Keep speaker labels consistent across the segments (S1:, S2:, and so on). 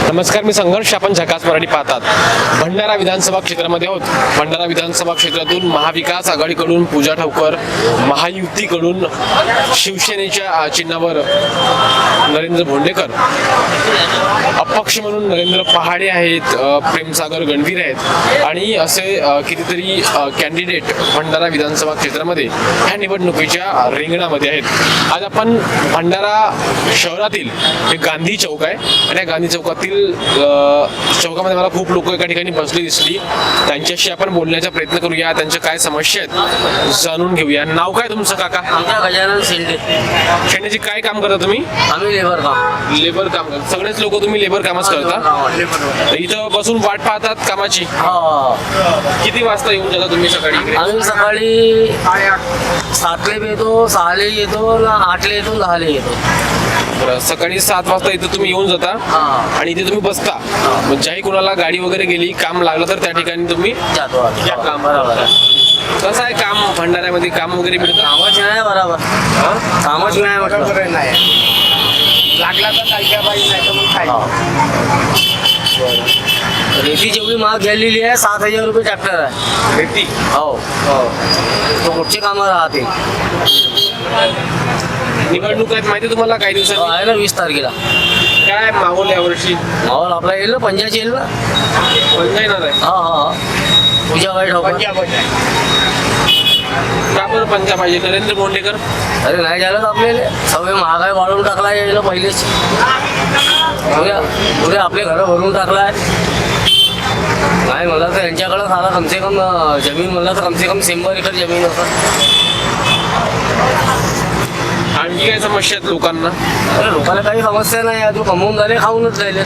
S1: नमस्कार, मी संघर्ष. आपण झकास मराठी पाहतात. भंडारा विधानसभा क्षेत्रामध्ये आहोत. भंडारा विधानसभा क्षेत्रातून महाविकास आघाडीकडून पूजा ठावकर, महायुतीकडून शिवसेनेच्या चिन्हावर नरेंद्र भोंडेकर, अपक्ष म्हणून नरेंद्र पहाडे आहेत, प्रेमसागर गणवीर आहेत आणि असे कितीतरी कॅन्डिडेट भंडारा विधानसभा क्षेत्रामध्ये ह्या निवडणुकीच्या रिंगणामध्ये आहेत. आज आपण भंडारा शहरातील हे गांधी चौक आहे आणि या गांधी चौकातील चौकामध्ये मला खूप लोक एका ठिकाणी बसली दिसली. त्यांच्याशी आपण बोलण्याचा प्रयत्न करूया, त्यांच्या काय समस्या आहेत जाणून घेऊया. नाव काय तुमचं काका?
S2: गजानन शेंडे.
S1: शेंडेची काय काम करता तुम्ही?
S2: आम्ही लेबर काम
S1: करता. सगळेच लोक तुम्ही लेबर कामच करता? इथं बसून वाट पाहतात कामाची? किती वाजता येऊन जाता तुम्ही सकाळी इकडे?
S2: आम्ही सकाळी 7 येतो, 6 येतो, 8 येतो, 10 येतो.
S1: सकाळी 7 वाजता इथं तुम्ही येऊन जाता आणि इथे तुम्ही बसता. मग ज्याही कोणाला गाडी वगैरे गेली, काम लागलं तर त्या ठिकाणी तुम्ही
S2: जातो.
S1: काम बरोबर. कसं आहे काम भंडाऱ्यामध्ये? काम वगैरे मिळतं?
S2: कामाची नाही बरोबर. कामाची नाही म्हटलं
S1: लागला तर काय पाहिजे, नाही तर मग काय.
S2: रेती जेवढी महाग गेलेली आहे, 7,000 रुपये ट्रॅक्टर आहे.
S1: रेती?
S2: हो, तो कुठचे कामं राहते.
S1: निवडणूक आहेत माहिती तुम्हाला? काही दिवसात
S2: आहे ना 20 तारखेला.
S1: काय माहोल यावर्षी?
S2: माहोल आपला येईल ना, पंजाची येईल ना.
S1: पंजा येणार आहे?
S2: हा पूजा वाईट हो.
S1: का बरं पंजा पाहिजे? नरेंद्र भोंडेकर?
S2: अरे नाही झालं आपल्याला. सगळे महागाई वाढवून टाकला यायला पहिलेच. पुढे आपले घरं भरून टाकलाय. नाही मला तर यांच्याकडं सारा कमसे कम जमीन म्हणलं तर कमसे कम 100 एकर जमीन होतं.
S1: आणखी काय समस्या आहेत लोकांना?
S2: अरे लोकांना काही समस्या नाही. तू कमवून झाले, खाऊनच राहिले.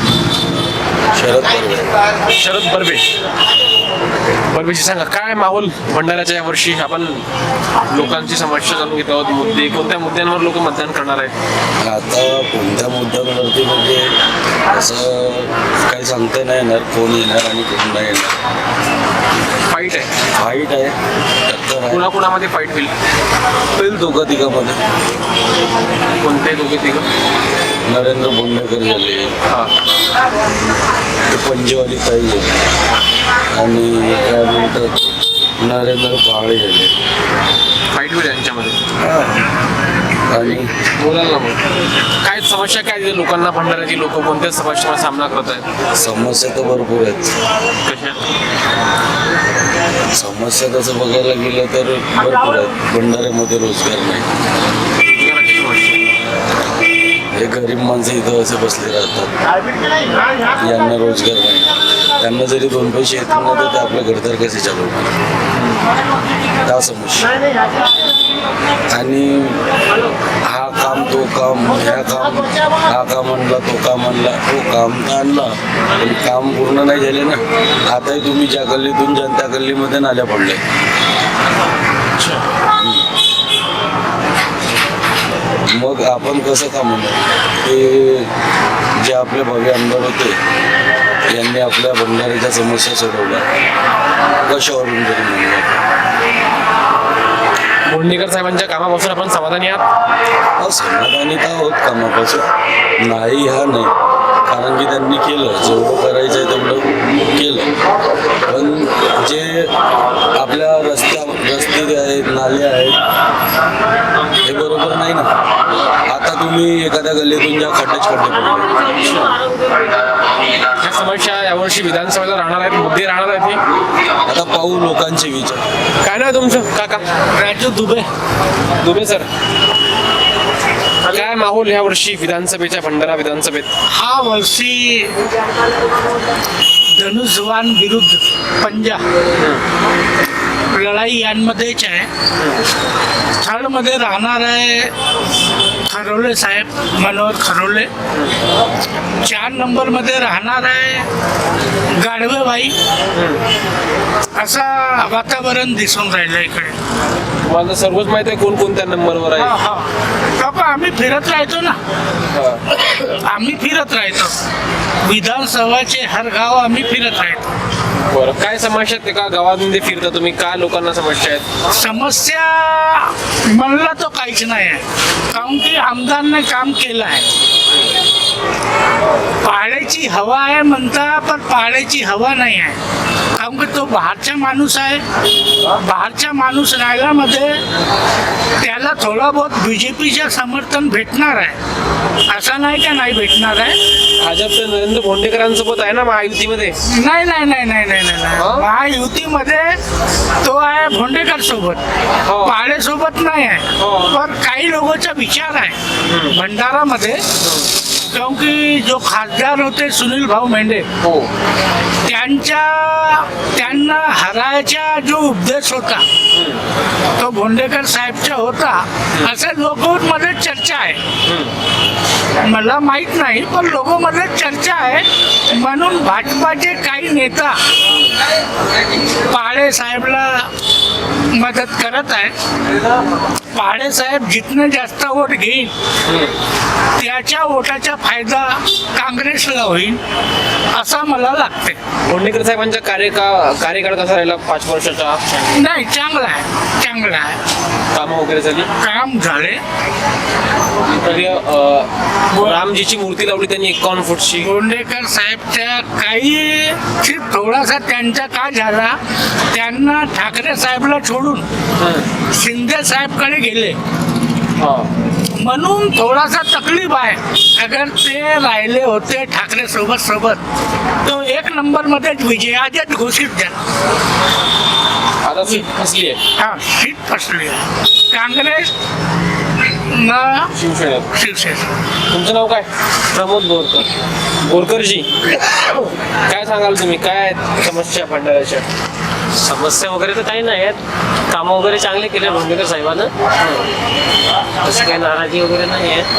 S1: शरद बर्वेशी सांगा काय माहोल भंडाऱ्याच्या यावर्षी? आपण लोकांची समस्या जाणून घेत आहोत. मुद्दे, कोणत्या मुद्द्यांवर लोक मतदान करणार आहेत?
S3: आता कोणत्या मुद्द्यांवरती म्हणजे असं काही सांगता नाही येणार कोण येणार आणि कोण नाही येणार.
S1: फाईट आहे
S3: टक्कर आहे.
S1: कुणाकुणामध्ये फाईट होईल?
S3: दोघं तिघांमध्ये.
S1: कोणते दोघे तिघं?
S3: नरेंद्र भोंडेकर झाले,
S1: हां,
S3: ते पंजेवाली ताई झाली आणि काय म्हणतात नरेंद्र पहाडे झाले.
S1: फाईट होईल यांच्यामध्ये.
S3: आणि
S1: बोलायला मग काय समस्या काय दिली लोकांना? भंडाऱ्याची लोक कोणत्या समस्यांचा सामना करत आहेत?
S3: समस्या तर भरपूर आहेत.
S1: कशा
S3: समस्या तसं बघायला गेलं तर भरपूर आहेत. भंडाऱ्यामध्ये रोजगार नाही. हे गरीब माणसं इथं असे बसले राहतात, यांना रोजगार नाही. त्यांना जरी 2 पैसे येत नाही तर ते आपल्या घरदार कसे चालवणार, त्या समस्या. आणि हा काम तो काम, हा काम आणला, तो काम आणला. तो काम तर आणला पण काम पूर्ण नाही झाले ना. आताही तुम्ही ज्या गल्लीतून जाल त्या गल्लीमध्ये नाल्या पडल्या. मग आपण कसं का म्हणणार? ते जे आपले भव्य आमदार होते यांनी आपल्या भंडाऱ्याच्या समस्या सोडवल्या, कशावरून तरी म्हणूया.
S1: भोंडेकर साहेबांच्या कामापासून आपण समाधानी आहात?
S3: समाधानी तर आहोत कामापासून. नाही हा नाही, कारण की त्यांनी केलं जेवढं करायचं आहे तेवढं केलं. पण जे आपल्या रस्ते आहेत, नाले आहेत, हे बरोबर नाही ना. आता तुम्ही एखाद्या गल्लीतून ज्या खड्डे पडले,
S1: ह्या समस्या यावर्षी विधानसभेला राहणार आहेत, मुद्दे राहणार आहेत.
S3: आता पाहू लोकांचे विचार.
S1: काय नाव तुमचं काका?
S2: राजू दुबे
S1: सर, काय माहोल ह्या वर्षी विधानसभेच्या भंडारा विधानसभेत?
S4: हा वर्षी धनुष्यबाण विरुद्ध पंजा लढाई यांमध्येच आहे. थर्डमध्ये राहणार आहे खरोले साहेब, मनोहर खरोले. 4 नंबरमध्ये राहणार आहे गाढवेबाई. असा वातावरण दिसून राहिलं इकडे.
S1: तुम्हाला सर्वच माहित आहे कोणकोणत्या नंबरवर आहे?
S4: बाबा आम्ही फिरत राहतो ना. आम्ही फिरत राहतो विधानसभाचे हर गाव आम्ही फिरत राहतो.
S1: बरं, काय समस्या आहेत एका गावामध्ये फिरता तुम्ही? काय लोकांना समस्या आहेत?
S4: समस्या म्हणला तो काहीच नाही आहे, कारण की आमदारने काम केलं आहे. पहाडे पाण्याची हवा आहे म्हणता, पण पाण्याची हवा नाही आहे. कारण की तो बाहेरचा माणूस आहे. बाहेरचा माणूस राहिल्यामध्ये त्याला थोडा बहुत बीजेपीचं समर्थन भेटणार आहे, असं नाही का नाही भेटणार आहे.
S1: भाजप तर नरेंद्र भोंडेकरांसोबत आहे ना महायुतीमध्ये.
S4: नाही नाही नाही नाही नाही नाही नाही. महायुतीमध्ये तो आहे भोंडेकर सोबत,
S1: हो.
S4: पाडे सोबत नाही आहे.
S1: हो.
S4: पण काही लोकांचा विचार आहे भंडारामध्ये, कारण की जो खासदार होते सुनील भाऊ मेंढे,
S1: हो
S4: त्यांना हरायचा जो उपदेश होता तो भोंडेकर साहेबचा होता, असं लोकांमध्ये चर्चा आहे. मला माहित नाही, पण लोकांमध्ये चर्चा आहे. म्हणून भाजपाचे काही नेता पाडे साहेबला मदत करत आहे. पाडे साहेब जितने जास्त वोट घेईल त्याच्या वोटाचा फायदा काँग्रेसला होईल असं मला लागते.
S1: भोंडेकर साहेबांचा कार्यकाळ कसा राहिला 5 वर्षाचा?
S4: नाही, चांगला आहे, चांगला आहे.
S1: कामं वगैरे झाली.
S4: काम झाले.
S1: तरी रामजीची मूर्ती लावली त्यांनी 51 फूटची.
S4: भोंडेकर साहेबच्या काही थोडासा त्यांचा काय झाला, त्यांना ठाकरे साहेबला सोडून शिंदे साहेबकडे गेले, म्हणून थोडासा तकलीफ आहे. अगर ते राहिले होते ठाकरे सोबत तो 1 नंबरमध्येच विजय आजच घोषित झाला.
S1: आता सीट फसली आहे
S4: हा, सीट फसली आहे काँग्रेस ना शिवसेना.
S1: तुमचं नाव काय? प्रमोद बोरकर. बोरकरजी, काय सांगाल तुम्ही, काय आहेत समस्या भंडाऱ्याच्या?
S2: समस्या वगैरे तर काही नाही आहेत. कामं वगैरे चांगले केले भोंडेकर साहेबांना. तशी काही नाराजी वगैरे नाही आहे.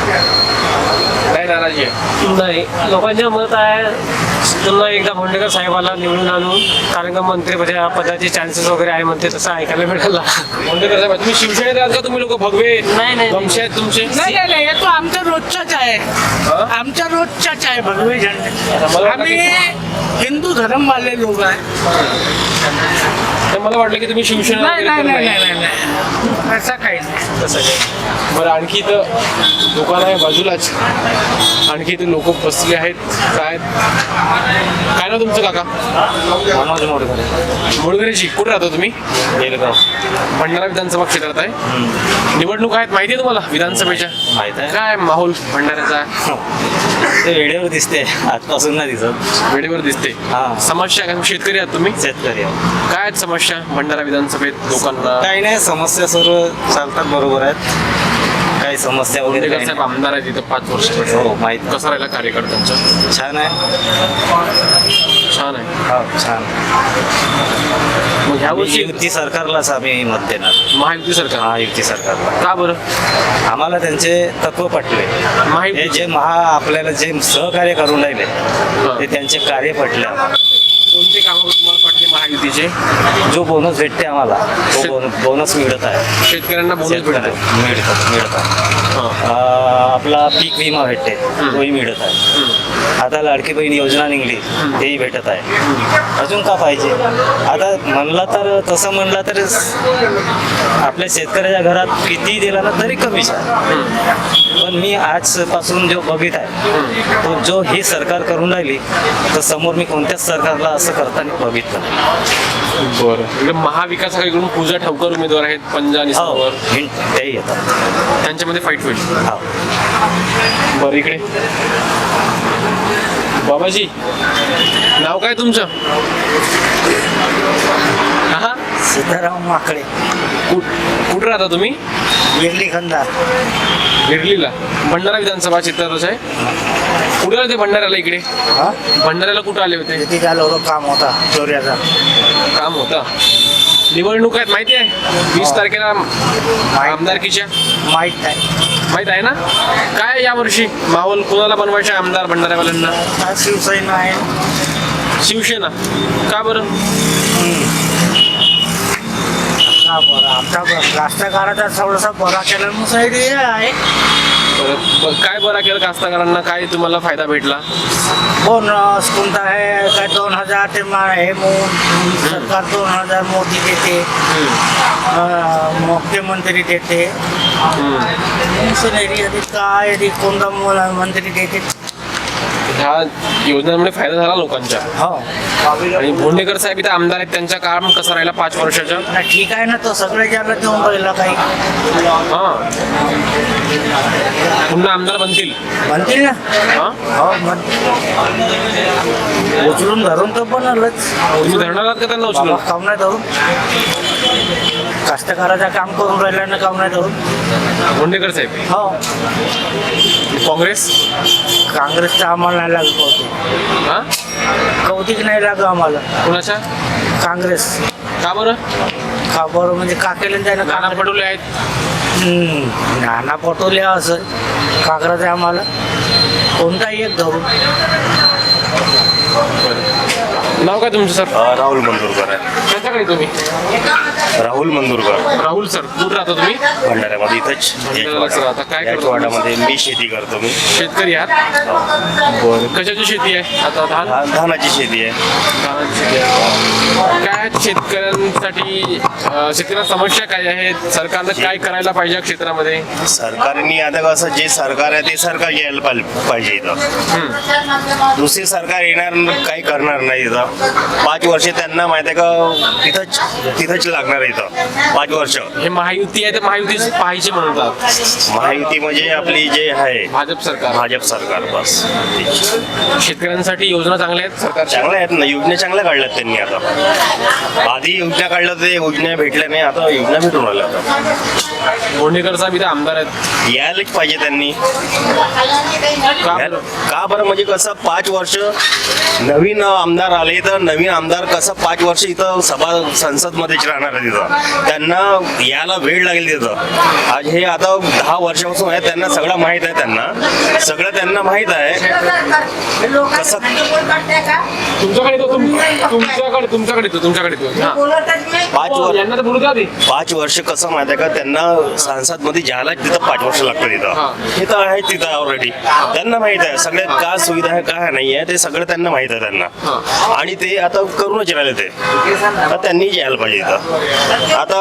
S1: काय नाराजी आहे?
S2: नाही, लोकांचे मत आहे पुन्हा एकदा भोंडेकर साहेबाला निवडून आणून, कारण का मंत्रिपदाचे चान्सेस वगैरे आहे म्हणते, तसं ऐकायला मिळाला.
S1: भोंडेकर साहेब, तुम्ही शिवसेनेत आहात का? तुम्ही लोक भगवे
S2: नाही, नाही.
S1: वंशी आहेत तुमचे?
S4: नाही नाही नाही, हे तो आमचा रोजचाच आहे. आमचा रोजचाच आहे भगवे झेंडे.
S1: मला
S4: आम्ही हिंदू धर्मवाले लोक आहे.
S1: तर मला वाटलं की तुम्ही शिवसेना
S4: नाही
S1: वगैरे
S4: नाही
S1: करत
S4: नाही
S1: नाही.
S4: नाही नाही, असं काही नाही.
S1: तसं काय? बरं, आणखी इथं दुकान आहे बाजूलाच, आणखी इथे लोक बसले आहेत. काय ना तुमचं काका?
S2: मनोज मोडकर,
S1: मुळगरेजी. कुठे राहता तुम्ही?
S2: बेलगाव.
S1: भंडारा विधानसभा क्षेत्रात आहे. निवडणूक आहेत माहिती आहे तुम्हाला विधानसभेच्या?
S2: माहित आहे.
S1: काय माहोल भंडाऱ्याचा?
S2: ते वेळेवर दिसते, आजपासून नाही दिसत.
S1: वेळेवर दिसते.
S2: हा.
S1: समस्या काय? शेतकरी आहात तुम्ही?
S2: शेतकरी आहे.
S1: काय आहेत समस्या भंडारा विधानसभेत लोकांना?
S2: काही नाही, समस्या सर्व चालतात बरोबर आहेत. काही समस्या वगैरे
S1: भोंडेकर
S2: काही
S1: साहेब
S2: नाही.
S1: आमदार आहेत इथं 5 वर्ष.
S2: हो, माहित आहे.
S1: कसा राहिला कार्यकर्त्यांचा?
S2: छान आहे.
S1: छान आहे.
S2: हो, छान.
S1: मग ह्या वर्षी
S2: युती सरकारलाच आम्ही मत देणार.
S1: महायुती सरकार.
S2: हा, युती सरकारला.
S1: का बरं?
S2: आम्हाला त्यांचे तत्व पटले.
S1: महायुती
S2: हे जे आपल्याला जे सहकार्य करून राहिले ते त्यांचे कार्य पटले आम्हाला.
S1: कोणते कामं तुम्हाला पटले महायुतीचे?
S2: जो बोनस भेटते आम्हाला, तो बोनस मिळत आहे.
S1: शेतकऱ्यांना बोनस भेटतो.
S2: मिळत आहे. आपला पीक विमा भेटते, तोही मिळत आहे. आता लाडकी बहीण योजना निघली, तेही भेटत आहे. अजून का पाहिजे? आता म्हणला तर, तसं म्हणलं तर आपल्या शेतकऱ्याच्या घरात किती दिला ना तरी कमीच आहे. पण मी आजपासून जो बघित आहे तो जो ही सरकार करून राहिली, तर समोर मी कोणत्याच सरकारला असं करताना बघितलं नाही.
S1: बरं. इकडे महाविकास आघाडीकडून पूजा ठवकर उमेदवार आहेत, पंजा आणि
S2: हो,
S1: सरोवर.
S2: हिंट तेही येतात.
S1: त्यांच्यामध्ये फाईट होईल.
S2: हो.
S1: बरं, इकडे बाबाजी, नाव काय तुमचं? हा,
S5: सीताराम माकडे,
S1: कुठं राहता तुम्ही?
S5: विरली खंदार.
S1: गिरलीला. भंडारा विधानसभा क्षेत्रातच आहे. कुठे आले ते भंडाऱ्याला? इकडे
S5: हा,
S1: भंडाऱ्याला कुठं आले होते?
S5: किती झालं होतं काम होता चोऱ्याचा.
S1: काम होता. निवडणूक आहेत माहिती आहे? 20 तारखेला आमदारकीच्या.
S5: माहीत नाही.
S1: माहित आहे ना? काय यावर्षी माहोल कोणाला बनवायचा आमदार भंडाऱ्यावाल्यांना?
S5: हा, शिवसेना आहे.
S1: शिवसेना. का बरं?
S5: हा, बरं. आमचा राष्ट्रकाराचा थोडासा बरा केला मुसाईड हे आहे.
S1: काय बरं केलं कास्तकारांना? काय तुम्हाला फायदा भेटला?
S5: बोनस कोणता आहे काय 2000 ते हे सरकार 2000 मोदी देते, मुख्यमंत्री देते. मिशनरी काय कोणता मंत्री देते
S1: ह्या योजनांमुळे फायदा झाला लोकांच्या.
S5: हो
S1: आणि भोंडेकर साहेब इथे आमदार आहेत, त्यांचा काम कसा राहिला 5 वर्षाच्या?
S5: ना ठीक आहे ना, तो सगळे ज्याला देऊन राहिला काही
S1: हा, पुन्हा आमदार बनतील.
S5: म्हणतील ना.
S1: हा,
S5: हो उचलून धरून तर बनलच.
S1: तुम्ही धरणार आहात का त्यांना उचलून?
S5: काम नाही धरून, कास्तकाराचं काम करून राहिला ना, काम नाही धरून.
S1: भोंडेकर साहेब.
S5: हो
S1: काँग्रेस.
S5: काँग्रेसचं आम्हाला नाही लागत कौतिक.
S1: हा,
S5: कौतिक नाही लागत आम्हाला
S1: कुणाच्या?
S5: काँग्रेस.
S1: का बरं?
S5: का बरं म्हणजे का केलं त्यानं
S1: नाना
S5: काँग्रेस?
S1: पटोले आहेत.
S5: नाना पटोले असं काँग्रेस आहे आम्हाला कोणताही एक धरून.
S1: नाव काय तुमचं सर?
S6: राहुल मंदुरकर आहे.
S1: त्यांच्याकडे तुम्ही?
S6: राहुल मंदुरकर
S1: राहुल सर, कुठं राहता तुम्ही?
S6: भंडाऱ्यामध्ये इथंच
S1: भंडाऱ्यालाच राहता. काय करता?
S6: याचवाडामध्ये मी शेती करतो. मी
S1: शेतकरी आहात? बरं. कशाची शेती आहे आता?
S6: धानाची शेती आहे.
S1: धानाची शेती आहे. काय शेतकऱ्यांसाठी शेतकऱ्यांना समस्या काय आहेत? सरकारनं काय करायला पाहिजे या क्षेत्रामध्ये?
S6: सरकारने आता कसं जे सरकार आहे ते सरकार यायला पाहिजे इथं. दुसरी सरकार येणार काही करणार नाही इथं. 5 वर्ष त्यांना माहिती आहे का तिथंच लागणार आहे इथं 5 वर्ष.
S1: हे महायुती आहे तर महायुतीच पाहिजे म्हणतात.
S6: महायुती म्हणजे आपली जे आहे
S1: भाजप सरकार.
S6: भाजप सरकार बस.
S1: शेतकऱ्यांसाठी योजना चांगल्या आहेत सरकारच्या?
S6: चांगल्या आहेत ना, योजना चांगल्या काढल्यात त्यांनी. आता आधी योजना काढल्या ते योजना भेटल्या नाही, आता योजना भेटून राहिल्या. आता
S1: भोंडेकर साहेब इथे आमदार आहेत.
S6: यायलाच पाहिजे त्यांनी.
S1: का बरं?
S6: का बरं म्हणजे कसं 5 वर्ष नवीन आमदार आले तर नवीन आमदार कसं 5 वर्ष इथं संसद मध्येच राहणार आहे तिथं. त्यांना यायला वेळ लागेल तिथं. आज हे आता 10 वर्षापासून आहे, त्यांना सगळं माहीत आहे. त्यांना माहीत आहे कसं.
S1: तुमच्याकडे यांना तर बोलू द्या आधी.
S6: 5 वर्ष कसं माहिती आहे का त्यांना संसद मध्ये जायला तिथं 5 वर्ष लागतं तिथं. हे तर आहे तिथं ऑलरेडी. त्यांना माहित आहे सगळ्यात काय सुविधा आहे काय नाही आहे ते सगळं त्यांना माहित आहे त्यांना. आणि ते आता करूनच राहिले ते. आता त्यांनी यायला पाहिजे इथं. आता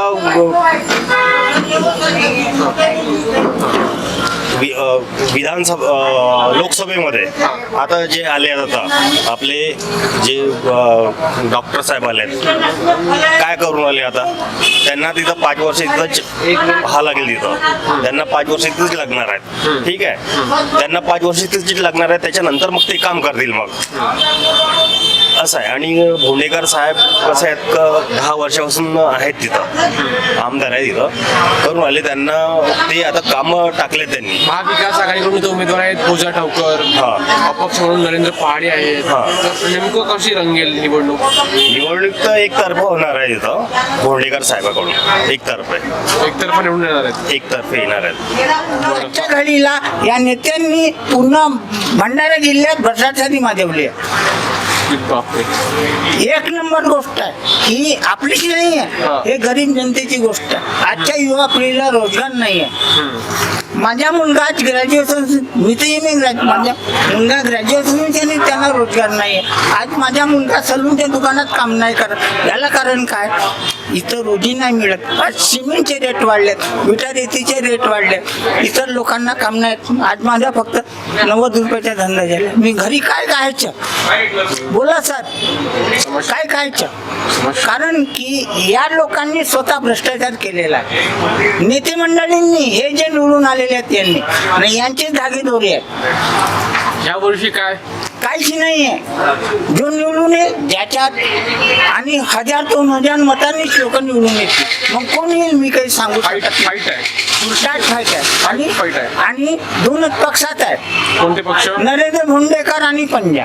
S6: विधानसभा लोकसभेमध्ये आता जे आले आता आपले जे डॉक्टर साहेब आले काय करून आले आता. त्यांना तिथं 5 वर्ष इथंच हा लागेल तिथं. त्यांना 5 वर्ष इथंच लागणार आहेत. ठीक आहे, त्यांना 5 वर्ष इथंच लागणार आहे. त्याच्यानंतर मग ते काम करतील मग असं आहे. आणि भोंडेकर साहेब कसं आहेत 10 वर्षापासून आहेत तिथं, आमदार आहे तिथं, करून आले. त्यांना ते आता कामं टाकले त्यांनी.
S1: महाविकास आघाडीकडून इथे उमेदवार आहेत पूजा ठावकर, अपक्ष म्हणून नरेंद्र पहाडे आहेत. तर नेमकं कशी रंगेल निवडणूक?
S6: निवडणूक तर एकतर्फा होणार आहे इथं भोंडेकर साहेबाकडून.
S1: एकतर्फा निवडून येणार आहेत.
S6: एकतर्फे येणार आहेत.
S4: आजच्या घडीला या नेत्यांनी पूर्ण भंडारा जिल्ह्यात भ्रष्टाचारी माजवली आहे.
S1: बापरे.
S4: 1 नंबर गोष्ट आहे ही. आपलीच नाही आहे, हे गरीब जनतेची गोष्ट आहे. आजच्या युवा पिढीला रोजगार नाही आहे. माझा मुलगा ग्रॅज्युएशन, मी तर इमिग्रेट, माझा मुलगा ग्रॅज्युएशन त्याने त्यांना रोजगार नाही आहे. आज माझा मुलगा सलूनच्या दुकानात काम नाही करत. याला कारण काय? इथं रोजी नाही मिळत. आज सिमेंटचे रेट वाढलेत, विटा रेतीचे रेट वाढलेत, इतर लोकांना काम नाही. आज माझा फक्त 90 रुपयाचा धंदा झाला. मी घरी काय खायचं? बोला सर, काय खायचं? कारण की या लोकांनी स्वतः भ्रष्टाचार केलेला आहे. नेते मंडळींनी हे जे निवडून आलेले आहेत त्यांनी, आणि यांचे धागेदोरे आहेत.
S1: या वर्षी काय
S4: काहीच नाही आहे. जो निवडून येईल ज्याच्यात आणि 1000-2000 मतांनीच लोक निवडून येतील. मग कोण येईल मी काही सांगू
S1: फाईट
S4: शकत नाही.
S1: आहे?
S4: उलटाच फाईट आहे.
S1: फाईट आहे.
S4: आणि 2च पक्षात आहेत,
S1: कोणते पक्ष?
S4: नरेंद्र भोंडेकर आणि पंजा.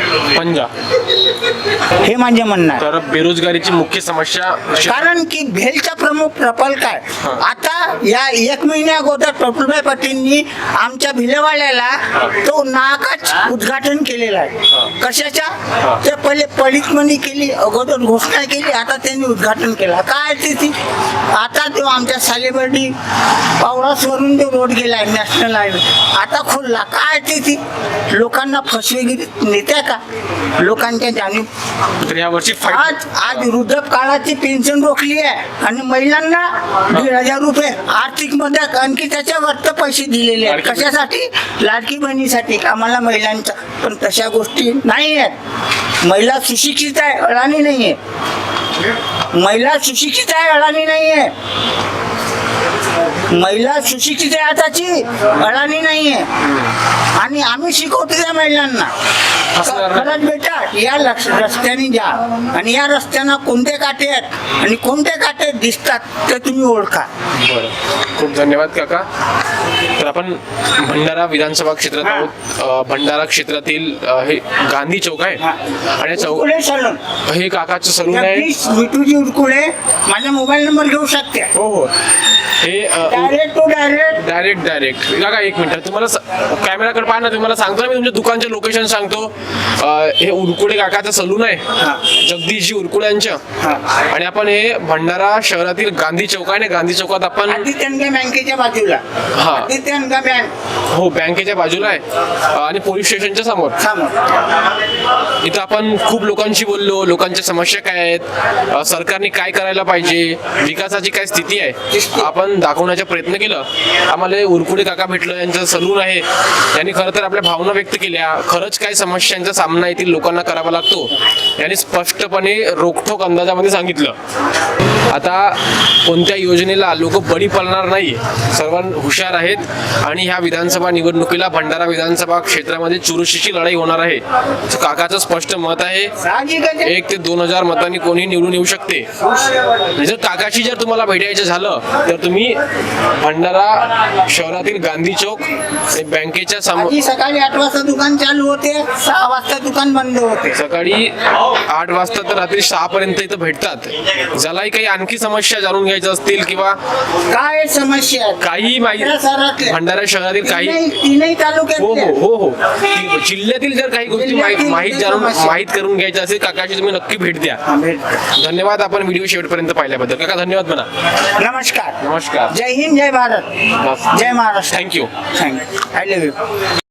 S4: हे माझे म्हणणं आहे.
S1: तर बेरोजगारीची मुख्य समस्या
S4: कारण की भेलचा प्रमुख प्रकल्प आहे. आता या 1 महिन्या अगोदर प्रफुल्लभाई पाटीलनी आमच्या भिलेवाड्याला तो नाकाच उद्घाटन केलेला आहे. कशाच्या? ते पहिले पडीतमणी केली, अगोदर घोषणा केली, आता त्यांनी उद्घाटन केलं. काय ती आता तो आमच्या सालेबर्डी पावरासवरून जो रोड गेला आहे नॅशनल हायवे, आता खोलला. काय ती लोकांना फसवेगिरी नेत्या का? लोकांच्या
S5: आणि
S1: तर या वर्षी
S5: आज आज वृद्धकाळाची पेन्शन रोखली आहे आणि महिलांना 1,500 रुपये आर्थिक मदत आणखी त्याच्यावर पैसे दिलेले आहेत. कशासाठी? लाडकी बहिणीसाठी आम्हाला महिलांच्या. पण तशा गोष्टी नाही आहेत. महिला सुशिक्षित आहे, अडाणी नाही आहे. महिला सुशिक्षित आहे, अडाणी नाही आहे. महिला सुशिक्षित आहे आताची, अडाणी नाही आहे. आणि आम्ही शिकवतो त्या महिलांना खरंच बेटा या रस्त्याने जा आणि या रस्त्यानं कोणते काटे आहेत आणि कोणते काटे दिसतात ते तुम्ही ओळखा.
S1: बरं, खूप धन्यवाद काका. तर आपण भंडारा विधानसभा क्षेत्रात आहोत. भंडारा क्षेत्रातील हे गांधी चौक आहे आणि या चौक
S5: उरकुळे सलून,
S1: हे काकाचं सलून आहे.
S5: जगदीश विटूजी उरकुळे, माझा मोबाईल नंबर घेऊ शकते.
S1: हो हो, हे
S5: डायरेक्ट टू डायरेक्ट.
S1: डायरेक्ट काका एक मिनिट, तुम्हाला कॅमेराकडे पाहा ना. तुम्हाला सांगतो ना मी, तुमच्या दुकानचे लोकेशन सांगतो. हे उरकुडे काकाचं सलून आहे, जगदीशजी उरकुड्यांचं. आणि आपण हे भंडारा शहरातील गांधी चौक आहे ना, गांधी चौकात आपण
S5: आदित्यनगा बँकेच्या बाजूला.
S1: हा.
S5: आदित्यनगा बँक
S1: हो बँकेच्या बाजूला आहे आणि पोलीस स्टेशनच्या समोर. इथं आपण खूप लोकांशी बोललो, लोकांच्या समस्या काय आहेत, सरकारने काय करायला पाहिजे, विकासाची काय स्थिती आहे, आपण दाखवण्याचा प्रयत्न केला. आम्हाला उरकुडे काका भेटलं, यांचं सलून आहे. त्यांनी खरं तर आपल्या भावना व्यक्त केल्या. खरंच काय समस्यांचा सामना येथील लोकांना करावा लागतो यांनी स्पष्टपणे रोखठोक अंदाजामध्ये सांगितलं. आता कोणत्या योजनेला लोक बळी पडणार नाही, सर्व हुशार आहेत. आणि ह्या विधानसभा निवडणुकीला भंडारा विधानसभा क्षेत्रामध्ये चुरशीची लढाई होणार आहे. काकाचं स्पष्ट मत आहे, 1 ते 2,000 मतांनी कोणी निवडून येऊ शकते. जर काकाशी जर तुम्हाला भेटायचं झालं तर तुम्ही भंडारा शहरातील गांधी चौक बँकेच्या समोर.
S5: आधी सकाळी 8 वाजता दुकान चालू होते, 6 वाजता दुकान बंद होते.
S1: सकाळी 8 वाजता तर रात्री 6 पर्यंत इथं भेटतात. ज्यालाही काही आणखी समस्या जाणून घ्यायच्या असतील किंवा
S5: काय समस्या आहेत?
S1: काही माहिती भंडारा शहरातील काही
S5: तीनही तालुक्यात
S1: हो हो हो हो जिल्ह्यातील जर काही गोष्टी माहीत करून घ्यायच्या असेल काकाशी तुम्ही नक्की भेट द्या. धन्यवाद आपण व्हिडिओ शेवटपर्यंत पाहिल्याबद्दल. काका धन्यवाद म्हणा.
S5: नमस्कार.
S1: नमस्कार.
S5: जय हिंद, जय भारत, जय Maharashtra.
S1: Thank you.
S5: Thank you. I love you.